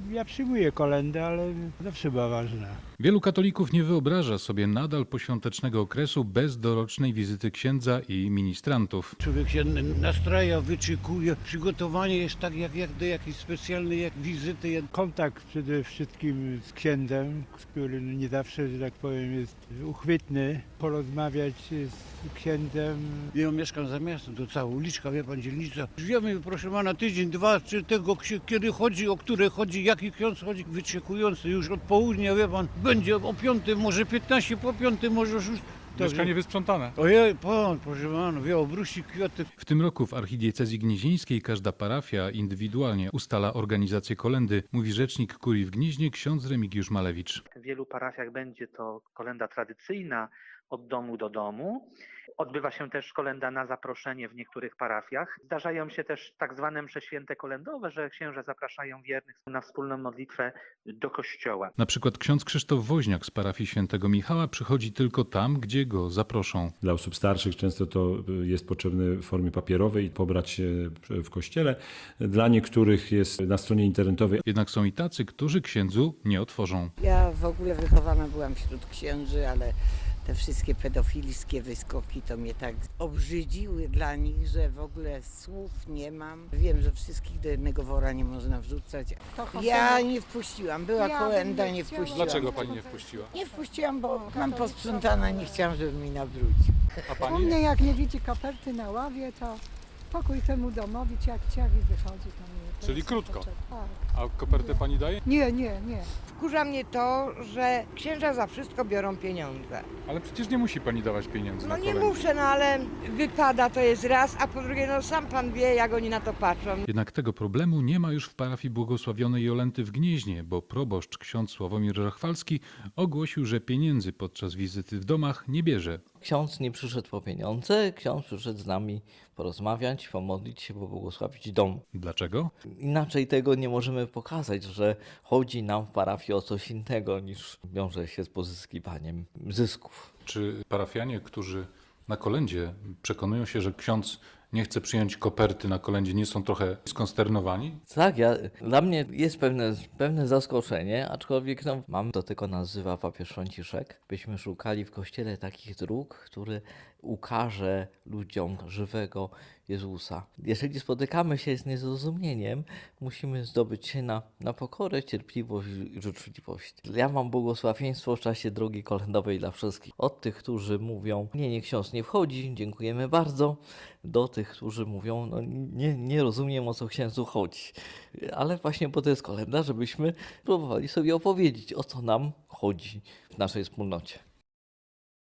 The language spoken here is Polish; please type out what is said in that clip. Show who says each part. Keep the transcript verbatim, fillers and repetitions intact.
Speaker 1: Ja przyjmuję kolędę, ale zawsze była ważna.
Speaker 2: Wielu katolików nie wyobraża sobie nadal poświątecznego okresu bez dorocznej wizyty księdza i ministrantów.
Speaker 3: Człowiek się nastraja, wyczekuje. Przygotowanie jest tak jak, jak do jakiejś specjalnej jak wizyty.
Speaker 1: Kontakt przede wszystkim z księdzem, który nie zawsze, że tak powiem, jest uchwytny. Porozmawiać z księdzem.
Speaker 3: Ja mieszkam za miastem, to cała uliczka, wie pan, dzielnica. Wiemy, proszę pana, tydzień, dwa, czy tego, kiedy chodzi, o które chodzi, jaki ksiądz chodzi. Wyczekujący już od południa, wie pan, będzie o piątej, może piętnaście po piątej, może szóstej.
Speaker 4: Mieszkanie wysprzątane.
Speaker 3: Ojej, pan, proszę pana, wie, obrusi kwiaty.
Speaker 2: W tym roku w archidiecezji gnieźnieńskiej każda parafia indywidualnie ustala organizację kolendy, mówi rzecznik kurii w Gnieźnie ksiądz Remigiusz Malewicz.
Speaker 5: W wielu parafiach będzie to kolenda tradycyjna od domu do domu. Odbywa się też kolenda na zaproszenie w niektórych parafiach. Zdarzają się też tak zwane msze święte kolendowe, że księża zapraszają wiernych na wspólną modlitwę do kościoła.
Speaker 2: Na przykład ksiądz Krzysztof Woźniak z parafii świętego Michała przychodzi tylko tam, gdzie go zaproszą.
Speaker 6: Dla osób starszych często to jest potrzebne w formie papierowej pobrać się w kościele. Dla niektórych jest na stronie internetowej.
Speaker 2: Jednak są i tacy, którzy księdzu nie otworzą.
Speaker 7: Ja w ogóle wychowana byłam wśród księży, ale te wszystkie pedofilskie wyskoki to mnie tak obrzydziły dla nich, że w ogóle słów nie mam. Wiem, że wszystkich do jednego wora nie można wrzucać. Ja nie wpuściłam, była
Speaker 8: Ja
Speaker 7: kolenda,
Speaker 8: bym nie
Speaker 7: nie
Speaker 8: chciała.
Speaker 7: wpuściłam.
Speaker 4: Dlaczego pani nie wpuściła?
Speaker 7: Nie wpuściłam, bo mam posprzątane, nie chciałam, żeby mi nabrudził.
Speaker 4: A
Speaker 8: U
Speaker 4: pani?
Speaker 8: mnie jak nie widzi koperty na ławie, to pokój temu domowi ciach, ciach i wychodzi tam. Nie, to
Speaker 4: Czyli
Speaker 8: jest
Speaker 4: krótko.
Speaker 8: potrzeb- Tak.
Speaker 4: A kopertę pani daje?
Speaker 8: Nie, nie, nie.
Speaker 9: Wkurza mnie to, że księża za wszystko biorą pieniądze.
Speaker 4: Ale przecież nie musi pani dawać pieniędzy
Speaker 9: No
Speaker 4: na
Speaker 9: nie
Speaker 4: kolędę.
Speaker 9: muszę, no ale wypada to jest raz, a po drugie, no sam pan wie, jak oni na to patrzą.
Speaker 2: Jednak tego problemu nie ma już w parafii błogosławionej Jolenty w Gnieźnie, bo proboszcz ksiądz Sławomir Rachwalski ogłosił, że pieniędzy podczas wizyty w domach nie bierze.
Speaker 10: Ksiądz nie przyszedł po pieniądze, ksiądz przyszedł z nami porozmawiać, pomodlić się, pobłogosławić dom.
Speaker 2: Dlaczego?
Speaker 10: Inaczej tego nie możemy pokazać, że chodzi nam w parafii o coś innego niż wiąże się z pozyskiwaniem zysków.
Speaker 2: Czy parafianie, którzy na kolędzie przekonują się, że ksiądz nie chce przyjąć koperty na kolędzie, nie są trochę skonsternowani?
Speaker 10: Tak, ja, dla mnie jest pewne, pewne zaskoczenie, aczkolwiek no, mam, to tylko nazywa papież Franciszek, byśmy szukali w Kościele takich dróg, który ukaże ludziom żywego Jezusa. Jeżeli spotykamy się z niezrozumieniem, musimy zdobyć się na, na pokorę, cierpliwość i życzliwość. Ja mam błogosławieństwo w czasie drogi kolędowej dla wszystkich. Od tych, którzy mówią, nie, nie ksiądz nie wchodzi, dziękujemy bardzo, do tych, którzy mówią, no nie, nie rozumiem, o co księdzu chodzi. Ale właśnie po to jest kolenda, żebyśmy próbowali sobie opowiedzieć, o co nam chodzi w naszej wspólnocie.